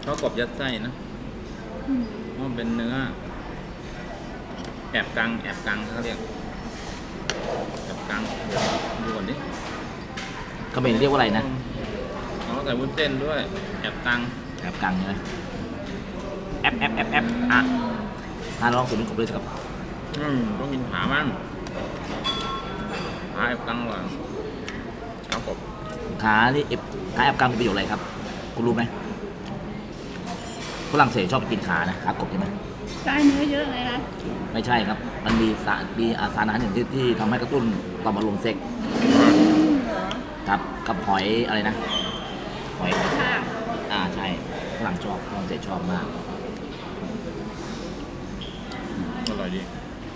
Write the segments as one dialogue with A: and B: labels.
A: ข้าวกบยัดไส้นะเพราะมันเป็นเนื้อแอบกังเขาเรียกแอบกังดูก่อนดิ
B: เขมรเรียกว่าอะไรนะ
A: เขาใส่วุ้นเส้นด้วยแอบกัง
B: แอบกังใช่ไหมแอบลองสูตรนี้ผมด้วยครับ
A: ต้องกินขามันขาแอบกังก่อนข้าวกบ
B: ขาแอบกังมีประโยชน์อะไรครับคุณรู้ไหมฝรั่งเศสชอบกินขานะขากบใช่ไหม
C: ได้เนื้อเยอะเลยนะ
B: ไม่ใช่ครับมันมีสารอาหารหนึ่งที่ทำให้กระตุ้นต่อมอารมณ์เซ็กส์ครับกับหอยอะไรนะหอย
C: ค่ะ
B: ใช่ฝรั่งชอบฝรั่งเศสชอบมาก
A: อร่อยดี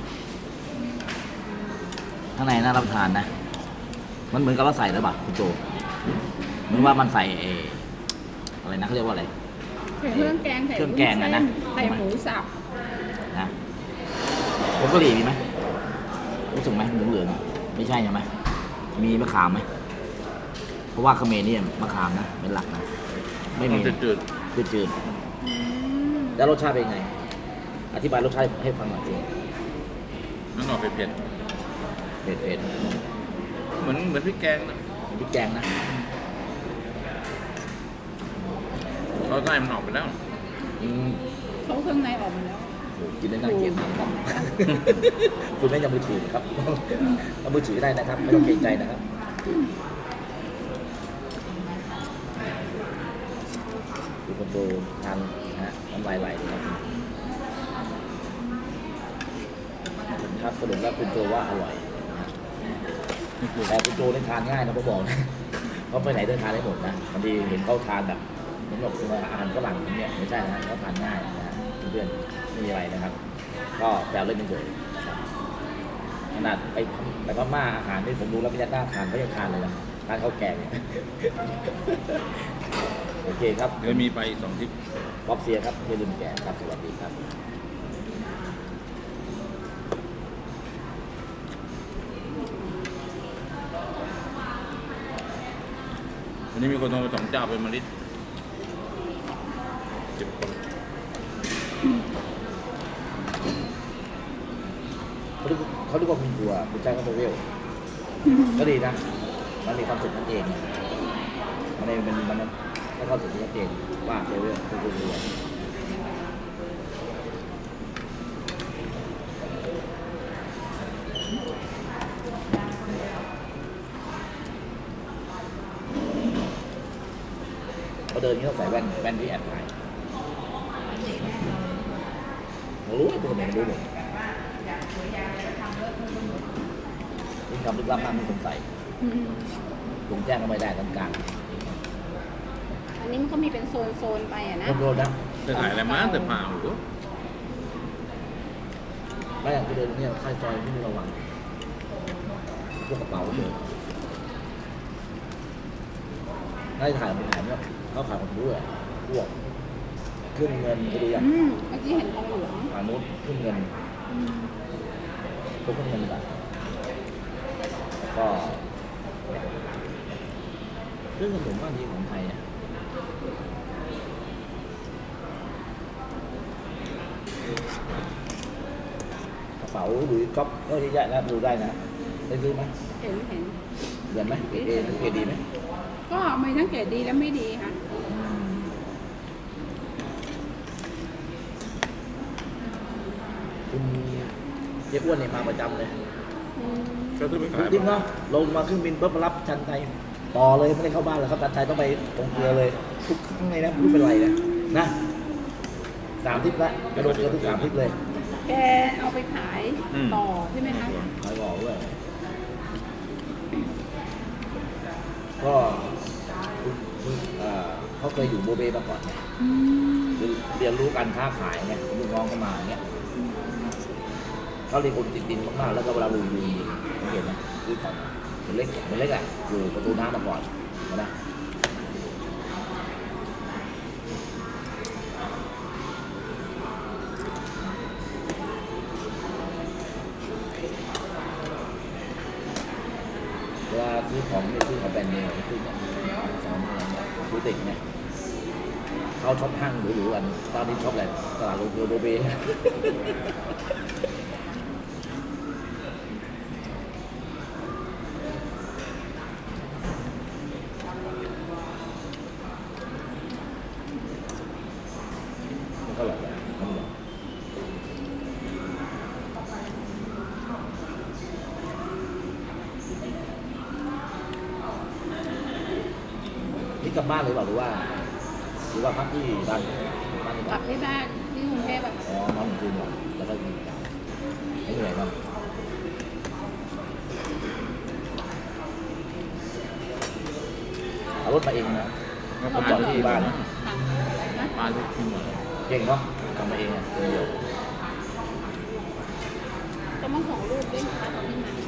B: ข้างในน่ารับประทานนะมันเหมือนกับเราใส่หรือเปล่าคุณโจเหมือนว่ามันใส่อะไรนะเขาเรียกว่าอะไร
C: ใส่เครื่องแกง
B: เครื่องแกงอะนะ
C: ใส่หมูสับ
B: นะผงกะหรี่มีไหมรู้สึกไหมเหลืองๆไม่ใช่ใช่ไหมมีมะขามไหมเพราะว่าเขมรนี่มะขามนะเป็นหลักนะไม่มี
A: จืด
B: จืดแล้วรสชาติเป็นไงอธิบายรสชาติให้ฟังหน่อยสิ
A: ๆมันออกเผ็ด
B: เผ็ด
A: ๆเหมือนพริกแกงนะ
B: พริกแกงนะ
A: เขาใส่มันออกไปแล้ว
C: เขาเครื่องในออกมาแล้ว
B: โอ้กินได้น่าเกลียดมากครับ คุณไม่ยังมือถือครับเอามือถือได้นะครับไม่ต้องเกรงใจนะครับดูคนโตทานนะฮะน้ำลายไหลนะครับครับสรุปแล้วคุณโจว่าอร่อยนะแต่คุณโจได้ทานง่ายนะผมบอกนะเขาไปไหนเดินทานได้หมดนะบางทีเห็นเขาทานแบบเหมือนกับอาหารฝรั่งอย่างเงี้ยไม่ใช่นะเขาทานง่ายนะฮะเพื่อนๆไม่มีอะไรนะครับ ก็แซวเล่นเฉยๆนะครับขนาดไปพม่าอาหารที่ผมดูแล้วไม่ยัดหน้าทานเขายังทานเลยนะทานข้าวแกงเนี่ย โอเคครับ
A: เดี๋ยวมีไปอีก2 ทริป
B: ป๊อปเซียครับไม่ลืมแกครับสวัสดีครับ
A: วันนี้มีคนโทรมา2 เจ้าเป็นมะลิ10 คน
B: เขาเรียกว่าคุณตัวคุณใจเขาโมเวลก็ดีนะมันมีความสุขนั่นเองมันให้ความสุขชัดเจนว่าเลเวลคือคุณตัวพอเดินนี้ต้องใส่แว่นที่แอบถ่ายเรารู้ตัวไหนรู้หมดยิ่งทำลึกลับมากมันสงสัยตรงแจ้งก็ไม่ได้ทั้งกลาง
C: อันนี้มันก็มีเป็นโซนไปอ่ะนะ
B: โดนนะ
A: จะถ่ายอะไรมาแต่เปล่าหรือ
B: ไม่อย่างที่เดินเนี่ยค่ายซอยที่ระวังพวกกระเป๋าเลยได้ถ่ายมันถ่ายเนี่ยเขาขายของด้วยพวกขึ้นเงินไปดูอย่าง
C: เมื่อกี้เห็นทองเหลือง
B: ผ่านนู้นขึ้นเงินพวกขึ้นเงินแบบก็เรื่องขนมว่าดีของไทยอ่ะกระเป๋าหรือก๊อปก็เยอะแยะนะดูได้นะได้ซื้อไหม
C: เห็น
B: เดือนไหมเกรดเอเกรดดีไหม
C: ก็มีทั้งเกรดดีและไม่ดีค่ะ
B: คุณเจ๊อ้วนเนี่ยมาประจำเลย
A: ก็ซื้อไปขาย
B: จริงเนาะลงมาเครื่องบินปุ๊บมารับชันไทยต่อเลยไม่ได้เข้าบ้านเลยครับชันไทยต้องไปตรงเกลือเลยทุกครั้งเลยนะไม่รู้เป็นไรนะ3 ทริปละกระโดดเกลือทุก3 ทริปเลย
C: แกเอาไปขายต่อใช่ไหมคะ
B: ขายบอกด้วยก็เขาเคยอยู่โบเบมาก่อนคือเรียนรู้การค้าขายไงลูกน้องเข้ามาอย่างเงี้ยเขาเรียนคนติดดินมากๆแล้วก็เวลาลุยเห็นไหมคือของมันเล็กอ่ะอยู่ประตูน้ำมาก่อนนะเวลาซื้อของไม่ซื้อของแบรนด์เนมซื้อของติดไงเขาชอบห้างหรูๆกันตอนนี้ชอบอะไรตลาดโรเบมันก็อร่อยแหละมันอร่อยนี่กลับบ้านเลยเปล่าหรือว่าพักที่บ้านหรือเป
C: กลั
B: ล่า
C: บที่บ้านที่กรุงเทพแบบ
B: อ๋อนอนคืนก่อนแล้วก็กินกันไม่เหนื่อยมั้งเอารถมาเองนะ
A: ก็
B: ผม
A: ป
B: จ
A: ลา
B: อดที่บ้านนะ
C: ค่ะ
A: ปลาลูกชิ้นหมดเลย
B: เก่งเนาะทำมาเองอ่ะคนเดียว
C: ก็มาส่งลูกด้วยนะคะตอนที่มา